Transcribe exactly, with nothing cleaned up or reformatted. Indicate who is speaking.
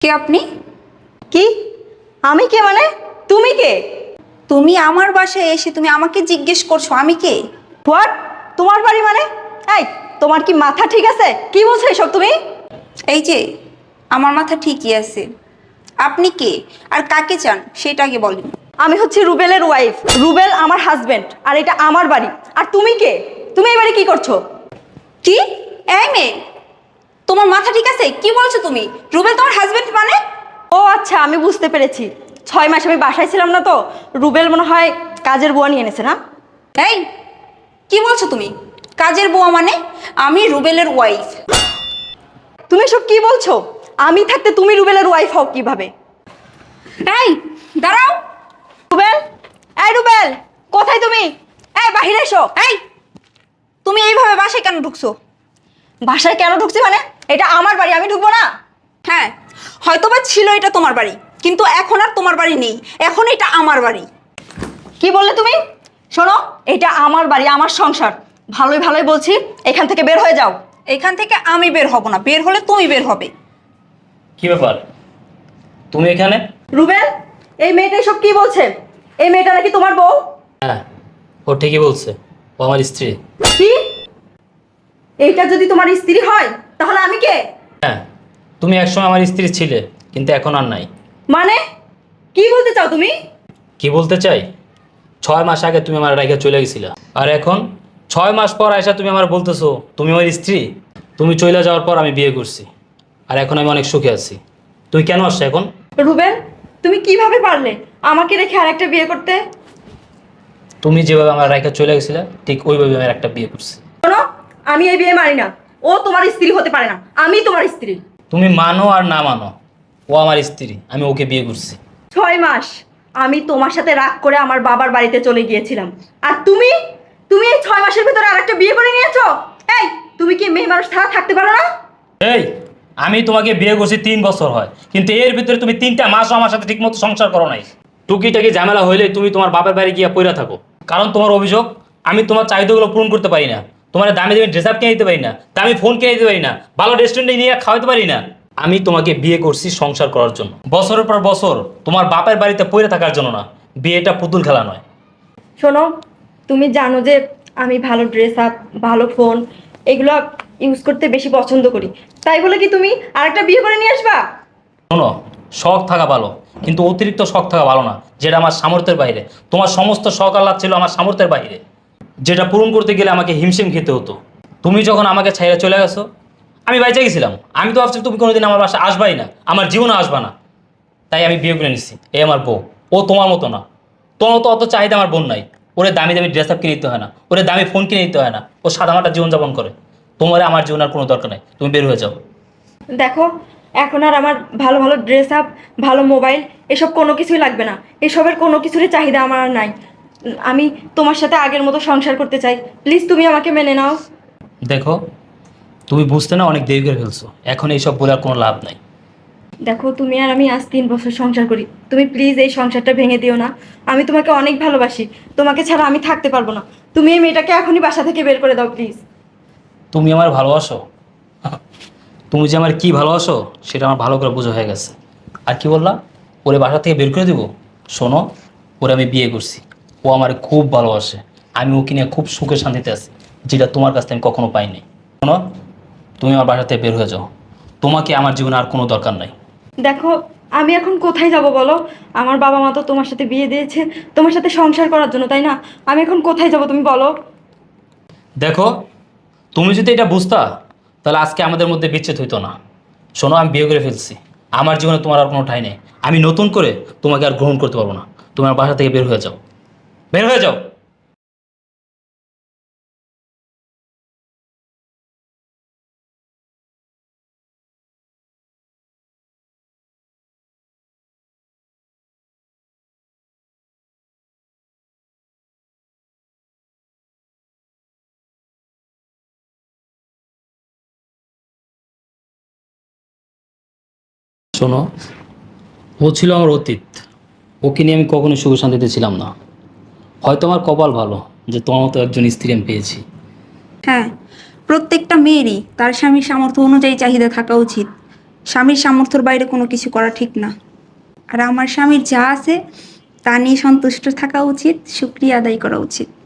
Speaker 1: কে আপনি?
Speaker 2: কি? আমি কে মানে? তুমি কে?
Speaker 1: তুমি আমার বাসায় এসে তুমি আমাকে জিজ্ঞেস করছো আমি কে?
Speaker 2: হোয়াট? তোমার বাড়ি মানে? এই, তোমার কি মাথা ঠিক আছে? কি বলছো এসব তুমি?
Speaker 1: এই যে, আমার মাথা ঠিকই আছে। আপনি কে আর কাকে চান সেটা আগে বলেন।
Speaker 2: আমি হচ্ছে রুবেলের ওয়াইফ। রুবেল আমার হাজবেন্ড, আর এটা আমার বাড়ি। আর তুমি কে? তুমি এই বাড়ি কি করছো?
Speaker 1: কি? এই মেয়ে, তোমার মাথা ঠিক আছে? কি বলছো তুমি? রুবেল তোমার হাজবেন্ড মানে?
Speaker 2: ও আচ্ছা, আমি বুঝতে পেরেছি। ছয় মাস আমি বাসায় ছিলাম না তো, রুবেল মনে হয় কাজের বুয়া নিয়ে এনেছে না?
Speaker 1: এই, কি বলছো তুমি? কাজের বুয়া মানে? আমি রুবেলের ওয়াইফ।
Speaker 2: তুমি এসব কি বলছো? আমি থাকতে তুমি রুবেলের ওয়াইফ হও কিভাবে?
Speaker 1: এই, দাঁড়াও।
Speaker 2: রুবেল, এই রুবেল, কোথায় তুমি? এই বাহিরে এসো।
Speaker 1: এই, তুমি এইভাবে বাসায় কেন ঢুকছো?
Speaker 2: বাসায় কেন ঢুকছি মানে? এটা আমার বাড়ি, আমি ঢুকবো না?
Speaker 1: হ্যাঁ, হয়তোবা ছিল এটা তোমার বাড়ি, কিন্তু এখন আর তোমার বাড়ি নেই। এখন এটা আমার বাড়ি।
Speaker 2: কি বললে তুমি? শোনো, এটা আমার বাড়ি, আমার সংসার। ভালোই ভালোই বলছি, এখান থেকে বের হয়ে যাও।
Speaker 1: এখান থেকে আমি বের হব না, বের হলে তুমি বের হবে।
Speaker 3: কি ব্যাপার, তুমি এখানে?
Speaker 2: রুবেল, এই মেয়েটা সব কি বলছে? এই মেয়েটা নাকি তোমার বউ?
Speaker 3: হ্যাঁ, ও ঠিকই বলছে, ও আমার স্ত্রী।
Speaker 2: কি? এইটা যদি তোমার স্ত্রী হয় তাহলে আমি কে?
Speaker 3: হ্যাঁ, তুমি একসময় আমার স্ত্রী ছিলে, কিন্তু এখন আর নাই।
Speaker 2: মানে কি বলতে চাও তুমি?
Speaker 3: কি বলতে চাই? ছয় মাস আগে তুমি আমার রেখে চলে গেছিলা, আর এখন ছয় মাস পর আয়সা তুমি আমার বলতেছো তুমি আমার স্ত্রী। তুমি চলে যাওয়ার পর আমি বিয়ে করছি, আর এখন আমি অনেক সুখে আছি। তুই কেন আসছো এখন?
Speaker 2: রুবেল, তুমি কিভাবে পারলে আমাকে রেখে আরেকটা বিয়ে করতে?
Speaker 3: তুমি যেভাবে আমার রেখে চলে গেছিলা ঠিক ওইভাবে আমি একটা বিয়ে করছি।
Speaker 2: শোনো, আমি এই বিয়ে মানি না। ও তোমার স্ত্রী হতে পারে না, আমি তোমার স্ত্রী।
Speaker 3: তুমি মানো আর না মানো, ও আমার স্ত্রী, আমি ওকে বিয়ে করছি।
Speaker 2: ছয় মাস আমি তোমার সাথে রাগ করে আমার বাবার বাড়িতে চলে গিয়েছিলাম, আর তুমি তুমি এই ছয় মাসের ভিতরে আরেকটা বিয়ে করে নিয়েছো। এই, তুমি কি মেয়ে মানুষ ছাড়া থাকতে পারো না?
Speaker 3: এই, আমি তোমাকে বিয়ে করছি তিন বছর হয়, কিন্তু এর ভিতরে তুমি তিনটা মাসও আমার সাথে ঠিকমতো সংসার করো নাই। টুকিটাকি ঝামেলা হইলে তুমি তোমার বাপের বাড়ি গিয়ে পইরা থাকো, কারণ তোমার অভিযোগ আমি তোমার চাহিদাগুলো পূরণ করতে পারি না। তোমার দামি দামি ড্রেস আপ কিনে দিতে পারি না, দামি ফোন কিনে দিতে পারি না, ভালো রেস্টুরেন্টে নিয়ে খাওয়াতে পারি না। আমি তোমাকে বিয়ে করছি সংসার করার জন্য, বছরের পর বছর তোমার বাপের বাড়িতে পইরা থাকার জন্য না। বিয়েটা পুতুল খেলা নয়।
Speaker 2: শোনো, তুমি জানো যে আমি ভালো ড্রেস আপ, ভালো ফোন এগুলো ইউজ করতে বেশি পছন্দ করি, তাই বলে কি তুমি আরেকটা বিয়ে করে নিয়ে আসবা?
Speaker 3: শোনো, শখ থাকা ভালো, কিন্তু অতিরিক্ত শখ থাকা ভালো না, যেটা আমার সামর্থ্যের বাইরে। তোমার সমস্ত শখ আহ্লাদ ছিল আমার সামর্থ্যের বাইরে, যেটা পূরণ করতে গেলে আমাকে হিমশিম খেতে হতো। তুমি যখন আমাকে ছাইড়া চলে গেছো, আমি বাইচে গেছিলাম। আমি তো ভাবছি তুমি কোনোদিন আমার বাসায় আসবাই না, আমার জীবনে আসবা না। তাই আমি বিয়ে করে নিচ্ছি, এই আমার বউ। ও তোমার মতো না, তোমার তো অত চাহিদা আমার বোন নাই। ওরে দামি দামি ড্রেস আপ কিনে দিতে হয় না, ওরে দামি ফোন কিনে দিতে হয় না, ও সাদামাটা জীবনযাপন করে। তোমার আমার জীবন আর কোনো দরকার নাই, তুমি বের হয়ে যাও।
Speaker 2: দেখো, এখন আর আমার ভালো ভালো ড্রেস আপ, ভালো মোবাইল এসব কোনো কিছুই লাগবে না। এসবের কোনো কিছুরই চাহিদা আমার আর নাই। উম, আমি তোমার সাথে আগের মতো সংসার করতে চাই। প্লিজ তুমি আমাকে মেনে নাও।
Speaker 3: দেখো, তুমি বুঝতে না অনেক দেরি করে ফেলছো, এখন এইসব বলে আর কোনো লাভ নাই।
Speaker 2: দেখো, তুমি আর আমি আজ তিন বছর সংসার করি, তুমি প্লিজ এই সংসারটা ভেঙে দিও না। আমি তোমাকে অনেক ভালোবাসি, তোমাকে ছাড়া আমি থাকতে পারবো না। তুমি এই মেয়েটাকে এখনই বাসা থেকে বের করে দাও প্লিজ।
Speaker 3: তুমি আমার ভালোবাসো? তুমি যে আমার কি ভালোবাসো সেটা আমার ভালো করে বোঝা হয়ে গেছে। আর কি বললা? ওরে বাসা থেকে বের করে দিব? শোনো, ওরে আমি বিয়ে করছি, ও আমার খুব ভালোবাসে। আমি ওকে নিয়ে খুব সুখে শান্তিতে আছি, যেটা তোমার কাছ থেকে আমি কখনো পাইনি। শোনো, তুমি আমার বাসা থেকে বের হয়ে যাও, তোমাকে আমার জীবনে আর কোনো দরকার নাই।
Speaker 2: দেখো, আমি এখন কোথায় যাব বলো? আমার বাবা মা তো তোমার সাথে বিয়ে দিয়েছে তোমার সাথে সংসার করার জন্য, তাই না? আমি এখন কোথায় যাব তুমি বলো?
Speaker 3: দেখো, তুমি যদি এটা বুঝতা তাহলে আজকে আমাদের মধ্যে বিচ্ছেদ হইতো না। শোনো, আমি বিয়ে করে ফেলছি, আমার জীবনে তোমার আর কোনো ঠাঁই নেই। আমি নতুন করে তোমাকে আর গ্রহণ করতে পারবো না। তোমার বাসা থেকে বের হয়ে যাও, বের হয়ে যাও। শোনো, ও ছিল আমার অতীত, ওকে নিয়ে আমি কখনো সুখ শান্তিতে ছিলাম না। হয়তো আমার কপাল ভালো যে তোমার মতো একজন স্ত্রী আমি পেয়েছি।
Speaker 1: হ্যাঁ, প্রত্যেকটা মেয়েরই তার স্বামীর সামর্থ্য অনুযায়ী চাহিদা থাকা উচিত। স্বামীর সামর্থ্যের বাইরে কোনো কিছু করা ঠিক না। আর আমার স্বামীর যা আছে তা নিয়ে সন্তুষ্ট থাকা উচিত, শুকরিয়া আদায় করা উচিত।